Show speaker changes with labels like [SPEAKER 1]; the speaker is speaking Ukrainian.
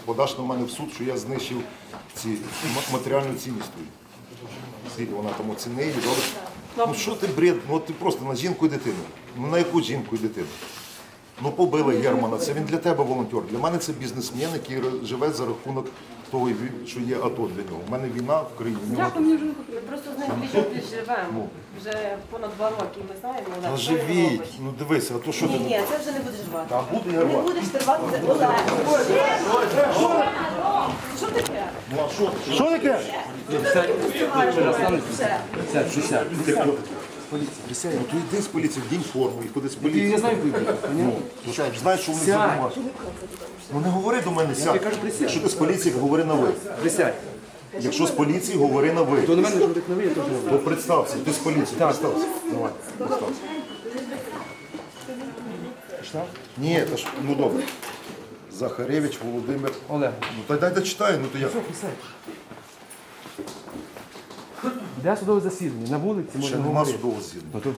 [SPEAKER 1] подаш на мене в суд, що я знищив матеріальну цінність твою. Скільки вона там оцінила, добре? Ну що ти бред, ну ти просто на жінку і дитину. Ну на яку жінку і дитину? Ну побили Германа, це він для тебе волонтер. Для мене це бізнесмен, який живе за рахунок того, що є АТО для нього. У мене війна в країні.
[SPEAKER 2] Дякую, мені вже не потрібно. Просто з ним більше живемо. Вже понад 2 роки ми знаємо. Олег,
[SPEAKER 1] Та
[SPEAKER 2] що він
[SPEAKER 1] живіть,
[SPEAKER 2] робить.
[SPEAKER 1] ну дивися, а то що ти?
[SPEAKER 2] Ні, це вже не будеш рвати.
[SPEAKER 1] Та буду я
[SPEAKER 2] Не
[SPEAKER 1] рвати.
[SPEAKER 2] будеш ти рвати. Олег, що таке?
[SPEAKER 1] Ну а що ти?
[SPEAKER 3] Що таке?
[SPEAKER 1] Ну то йди з поліції, вдінь форму і ходи з поліції.
[SPEAKER 3] Я знаю, куди.
[SPEAKER 1] Ну, ти знаєш, що вони займаються. Ну не говори до мене, сядь. Якщо ти з поліції, говори на ви.
[SPEAKER 3] Присядь.
[SPEAKER 1] Якщо з поліції, говори на ви.
[SPEAKER 3] То на мене говорить на ви, я теж говорю.
[SPEAKER 1] То представся, ти з поліції, представся. Давай, представся. Ні, та ж, ну добре. Захаревич Володимир.
[SPEAKER 3] Олег.
[SPEAKER 1] Ну та дай дочитаю, ну то я.
[SPEAKER 3] Присядь. Де судове засідання? На вулиці
[SPEAKER 1] Ще
[SPEAKER 3] можна
[SPEAKER 1] нема
[SPEAKER 3] говорити.
[SPEAKER 1] судового засідання.
[SPEAKER 3] Ну, то